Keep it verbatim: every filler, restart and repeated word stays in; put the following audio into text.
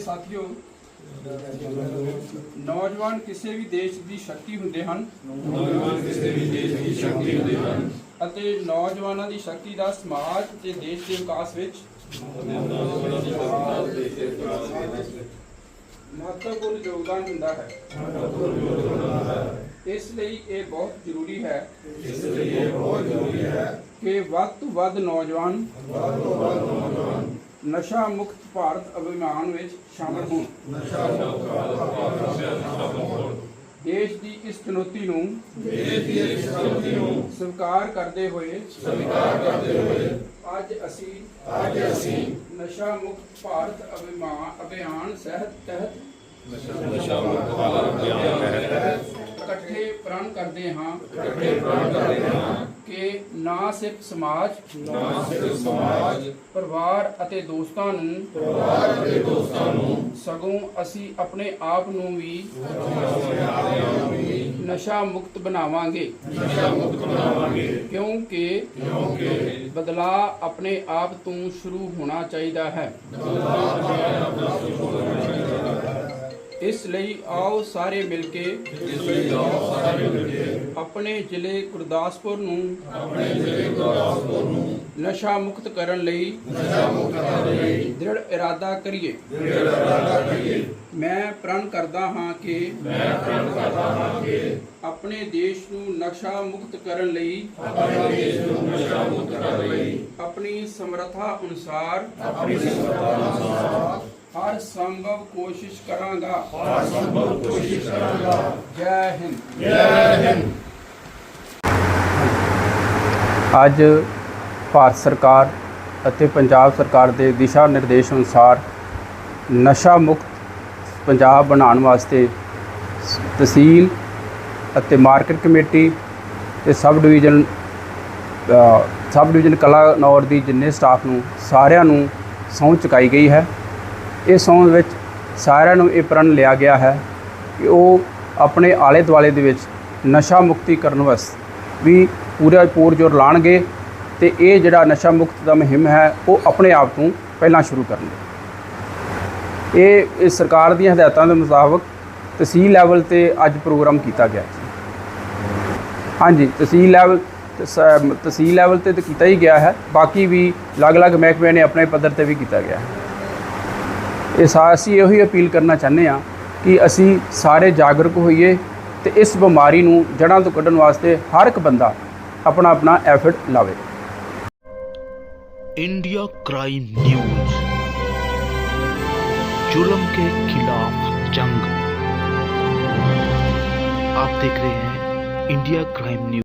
ਸਾਥੀਓ, ਨੌਜਵਾਨ ਕਿਸੇ ਵੀ ਦੇਸ਼ ਦੀ ਸ਼ਕਤੀ ਹੁੰਦੇ ਹਨ ਨੌਜਵਾਨ ਕਿਸੇ ਵੀ ਦੇਸ਼ ਦੀ ਸ਼ਕਤੀ ਹੁੰਦੇ ਹਨ ਅਤੇ ਨੌਜਵਾਨਾਂ ਦੀ ਸ਼ਕਤੀ ਦਾ ਸਮਾਜ ਤੇ ਦੇਸ਼ ਦੇ ਵਿਕਾਸ ਵਿੱਚ ਮਹੱਤਵਪੂਰਨ ਯੋਗਦਾਨ ਹੁੰਦਾ ਹੈ। ਇਸ ਲਈ ਇਹ ਬਹੁਤ ਜ਼ਰੂਰੀ ਹੈ ਇਸ ਲਈ ਇਹ ਬਹੁਤ ਜ਼ਰੂਰੀ ਹੈ ਕਿ ਵੱਧ ਤੋਂ ਵੱਧ ਨੌਜਵਾਨ ਵੱਧ ਤੋਂ ਵੱਧ ਨੌਜਵਾਨ ਨਸ਼ਾ ਮੁਕਤ ਭਾਰਤ ਅਭਿਆਨ ਵਿੱਚ ਸ਼ਾਮਲ ਹੋਣ। ਨਸ਼ਾ ਮੁਕਤ ਭਾਰਤ ਅਭਿਆਨ ਸ਼ਾਮਲ ਹੋਣ। ਦੇਸ਼ ਦੀ ਇਸ ਚੁਣੌਤੀ ਨੂੰ ਦੇਸ਼ ਦੀ ਇਸ ਚੁਣੌਤੀ ਨੂੰ ਸਵੀਕਾਰ ਕਰਦੇ ਹੋਏ ਸਵੀਕਾਰ ਕਰਦੇ ਹੋਏ ਅੱਜ ਅਸੀਂ ਅੱਜ ਅਸੀਂ ਨਸ਼ਾ ਮੁਕਤ ਭਾਰਤ ਅਭਿਆਨ ਅਭਿਆਨ ਸਹਿਤ ਤਹਿਤ ਨਸ਼ਾ ਮੁਕਤ ਭਾਰਤ ਅਭਿਆਨ ਤਹਿਤ ਇਕੱਠੇ ਪ੍ਰਣ ਕਰਦੇ ਹਾਂ ਇਕੱਠੇ ਪ੍ਰਣ ਕਰਦੇ ਹਾਂ ਕਿ ਨਾ ਸਿਰਫ ਸਮਾਜ ਨਾ ਸਿਰਫ ਸਮਾਜ ਪਰਿਵਾਰ ਅਤੇ ਦੋਸਤਾਂ ਨੂੰ ਪਰਿਵਾਰ ਅਤੇ ਦੋਸਤਾਂ ਨੂੰ ਸਗੋਂ ਅਸੀਂ ਆਪਣੇ ਆਪ ਨੂੰ ਵੀ ਨਸ਼ਾ ਮੁਕਤ ਬਣਾਵਾਂਗੇ ਨਸ਼ਾ ਮੁਕਤ ਬਣਾਵਾਂਗੇ ਕਿਉਂਕਿ ਕਿਉਂਕਿ ਬਦਲਾਅ ਆਪਣੇ ਆਪ ਤੋਂ ਸ਼ੁਰੂ ਹੋਣਾ ਚਾਹੀਦਾ ਹੈ। ਇਸ ਲਈ ਆਓ ਸਾਰੇ ਮਿਲ ਕੇ ਇਸ ਲਈ ਆਓ ਸਾਰੇ ਮਿਲ ਕੇ ਆਪਣੇ ਜ਼ਿਲ੍ਹੇ ਗੁਰਦਾਸਪੁਰ ਨੂੰ ਆਪਣੇ ਜ਼ਿਲ੍ਹੇ ਗੁਰਦਾਸਪੁਰ ਨੂੰ ਨਸ਼ਾ ਮੁਕਤ ਕਰਨ ਲਈ ਨਸ਼ਾ ਮੁਕਤ ਕਰਨ ਲਈ ਦ੍ਰਿੜ ਇਰਾਦਾ ਕਰੀਏ। ਦ੍ਰਿੜ ਇਰਾਦਾ ਕਰੀਏ। ਮੈਂ ਪ੍ਰਣ ਕਰਦਾ ਹਾਂ ਕਿ ਮੈਂ ਪ੍ਰਣ ਕਰਦਾ ਹਾਂ ਕਿ ਆਪਣੇ ਦੇਸ਼ ਨੂੰ ਨਸ਼ਾ ਮੁਕਤ ਕਰਨ ਲਈ ਆਪਣੇ ਦੇਸ਼ ਨੂੰ ਨਸ਼ਾ ਮੁਕਤ ਕਰਨ ਲਈ ਆਪਣੀ ਸਮਰੱਥਾ ਅਨੁਸਾਰ ਆਪਣੀ ਸਮਰੱਥਾ ਅਨੁਸਾਰ ਹਰ ਸੰਭਵ ਕੋਸ਼ਿਸ਼ ਕਰਾਂਗਾ। ਹਰ ਸੰਭਵ ਕੋਸ਼ਿਸ਼ ਕਰਾਂਗਾ। ਜੈ ਹਿੰਦ। ਜੈ ਹਿੰਦ। ਅੱਜ ਭਾਰਤ ਸਰਕਾਰ ਅਤੇ ਪੰਜਾਬ ਸਰਕਾਰ ਦੇ ਦਿਸ਼ਾ ਨਿਰਦੇਸ਼ ਅਨੁਸਾਰ ਨਸ਼ਾ ਮੁਕਤ ਪੰਜਾਬ ਬਣਾਉਣ ਵਾਸਤੇ ਤਹਿਸੀਲ ਅਤੇ ਮਾਰਕੀਟ ਕਮੇਟੀ ਤੇ sub division sub division Kalanaur ਦੀ ਜਿੰਨੇ ਸਟਾਫ ਨੂੰ ਸਾਰਿਆਂ ਨੂੰ ਸਹੁੰ ਚੁਕਾਈ ਗਈ ਹੈ। ਇਸ ਸਹੁੰ ਵਿੱਚ ਸਾਰਿਆਂ ਨੂੰ ਇਹ ਪ੍ਰਣ ਲਿਆ ਗਿਆ ਹੈ ਕਿ ਉਹ ਆਪਣੇ ਆਲੇ ਦੁਆਲੇ ਦੇ ਵਿੱਚ ਨਸ਼ਾ ਮੁਕਤੀ ਕਰਨ ਵਾਸਤੇ ਵੀ ਪੂਰਾ ਪੂਰ ਜ਼ੋਰ ਲਾਉਣਗੇ ਅਤੇ ਇਹ ਜਿਹੜਾ ਨਸ਼ਾ ਮੁਕਤ ਦਾ ਮੁਹਿੰਮ ਹੈ ਉਹ ਆਪਣੇ ਆਪ ਤੋਂ ਪਹਿਲਾਂ ਸ਼ੁਰੂ ਕਰਨਗੇ। ਇਹ ਇਸ ਸਰਕਾਰ ਦੀਆਂ ਹਦਾਇਤਾਂ ਦੇ ਮੁਤਾਬਕ ਤਹਿਸੀਲ ਲੈਵਲ 'ਤੇ ਅੱਜ ਪ੍ਰੋਗਰਾਮ ਕੀਤਾ ਗਿਆ। ਹਾਂਜੀ, ਤਹਿਸੀਲ ਲੈਵਲ ਤਹਿਸੀਲ ਲੈਵਲ 'ਤੇ ਤਾਂ ਕੀਤਾ ਹੀ ਗਿਆ ਹੈ, ਬਾਕੀ ਵੀ ਅਲੱਗ-ਅਲੱਗ ਮਹਿਕਮਿਆਂ ਨੇ ਆਪਣੇ ਪੱਧਰ 'ਤੇ ਵੀ ਕੀਤਾ ਗਿਆ ਹੈ। ਇਹ ਸਾ ਅਸੀਂ ਇਹੋ ਹੀ ਅਪੀਲ ਕਰਨਾ ਚਾਹੁੰਦੇ ਹਾਂ ਕਿ ਅਸੀਂ ਸਾਰੇ ਜਾਗਰੂਕ ਹੋਈਏ ਅਤੇ ਇਸ ਬਿਮਾਰੀ ਨੂੰ ਜੜ੍ਹਾਂ ਤੋਂ ਕੱਢਣ ਵਾਸਤੇ ਹਰ ਇੱਕ ਬੰਦਾ अपना अपना एफर्ट लावे। इंडिया क्राइम न्यूज, जुल्म के खिलाफ जंग। आप देख रहे हैं इंडिया क्राइम न्यूज।